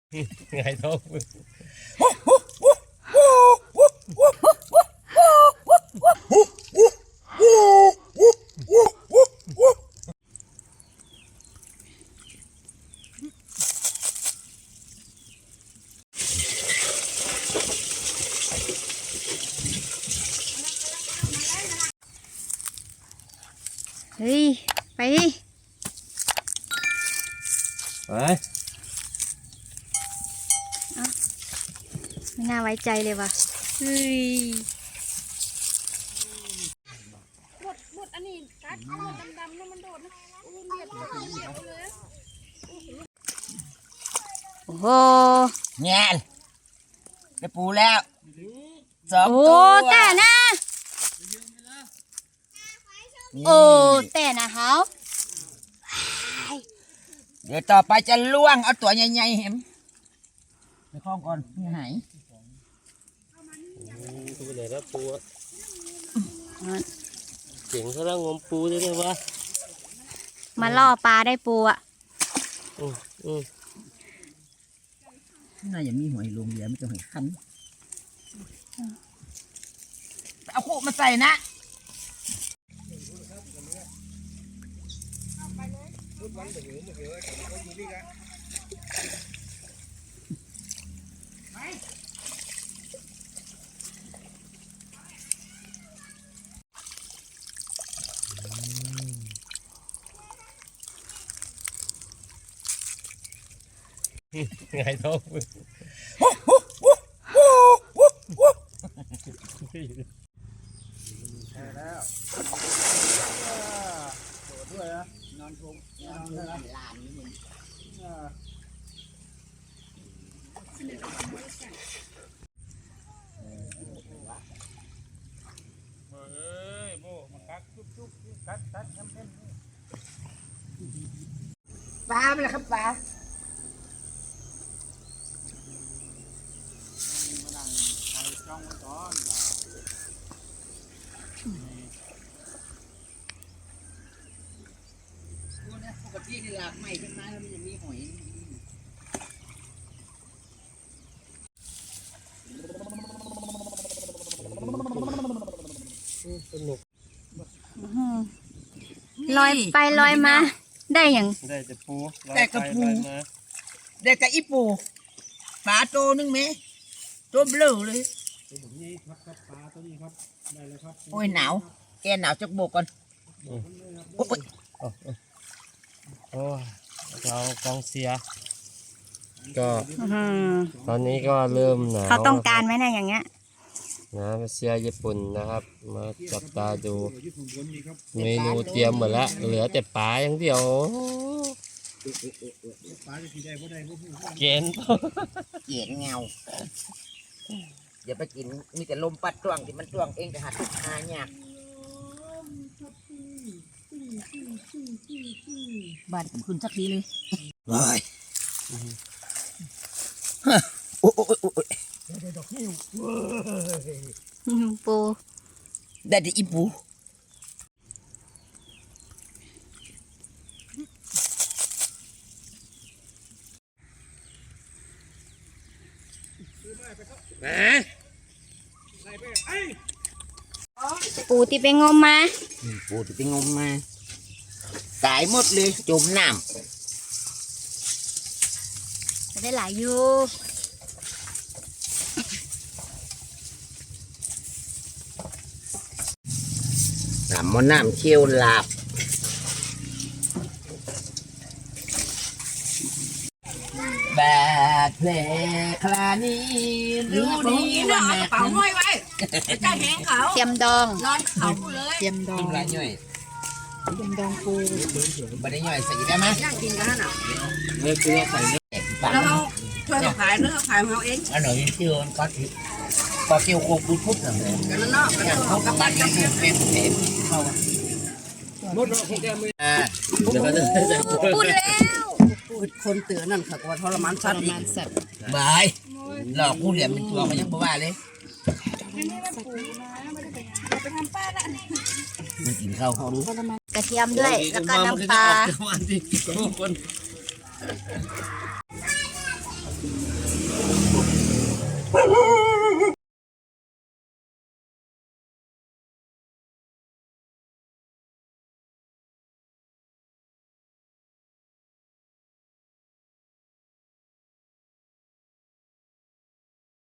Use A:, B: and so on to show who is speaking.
A: ไงท้อง
B: เฮ้ยไปดิ
A: ไป
B: ไม่น่าไว้ใจเลยว่ะเฮ้ย
C: หมดอันนี้กัดดำๆแล้วมันโดดนะโอ้เบียดเลย
B: โอ้โห
D: แง่นได้ปูแล้วสอง
B: โอ้
D: ตัว
B: แต่นะ
D: นี่
B: โอ้แต่นะเฮา
D: เดี๋ยวต่อไปจะล่วงเอาตัวใหญ่ๆเห็นไปคล้องก่อนไม่หาย
A: ตัวไหนแล้วปูเจ๋งเขาแล้วงมปูได้ไหมวะ
B: มาล่อปลาได้ปูอ่ะ
D: น่าจะมีหอยลงเหลือไม่ต้องหอยคันเอาคู่มาใส่นะ
A: ไงท้อง
D: ปลาไปเลยครับปลาปกติที่หลากใหม่ขึ้นมาแล้วมันจะมีหอย
A: สนุก
B: ลอยไปลอยมาได้อย่าง
A: ได้แต่ปู
D: แต่กระปูเด็กกับอีปูปลาโตนึงไหมตัวเบลอเลยโอ้ยหนาวแกหนาวจักโบกก่อนโอ้ย
A: โอ้ยเรากองเสียก็
B: อื้อ
A: ตอนนี้ก็เริ่มหนาว
B: เขาต้องการไหมนะอย่างเงี้ย
A: นะมาเชียร์ญี่ปุ่นนะครับมาจับตาดูเมนูเตรียมหมดแล้วเหลือแต่ปลาอย่างเดียวเกณฑ์
D: เกลียดเงาอย่าไปกินมีแต่ลมปัดจ้วงที่มันจ้วงเองจะหาทุกหาเนี่ยบ้านคุณสักทีเลยโอ้ยโอ้ย
B: ปู
D: ได้แต่อีปู
B: ปูที่ไปงมมา
D: ปูที่ไปงมมาตายหมดเลยจมน้ำ
B: จะได้หลายอยู่
D: น้ำมันน้ำเชี่ยวหลาบแบกเพลคลานี้รู้ดีว่าแม่เป๋าห้อยไว้จะแหงเขา
B: เทียมดอง
D: นอนเขาเลย
B: เทียมดอง
D: กินไรย่อย
B: เทียมดองปู
D: บันไดย่อยใส่ได้ไหม
C: ย่างกินกันน่ะ
A: เนื้อคือใส่เนื้อ
D: แตกปาก
C: แล้วเขาช่วยเขาขายเนื้อขายของเขาเอง
D: อันหน่อยเชี่ยวก็ถือพอเกี่ยวโคกุพุทธหน่อย
C: กันแล้วเนาะกัน
D: อย่าง
C: เขา
D: เขา
C: กั
D: กั
C: บบ บ้า
D: บ้าน น
C: กั
D: นี้
C: บ
D: เป็นเต็มเข้า
A: หมดแล้วแกไม่
D: เดี๋ยวก็จะใส่
B: พูดแล้ว
C: คนเตือนนั่นค่ะว่าทรมานสัตว์อีก
D: บายหลอกผู้เหลี่ยมเป็นตัวมันยังบ่ว่าเลยมันกินข้าวเขาดู
B: กระเทียมด้วยแล้วก็น้ำปลา
A: วันที่คน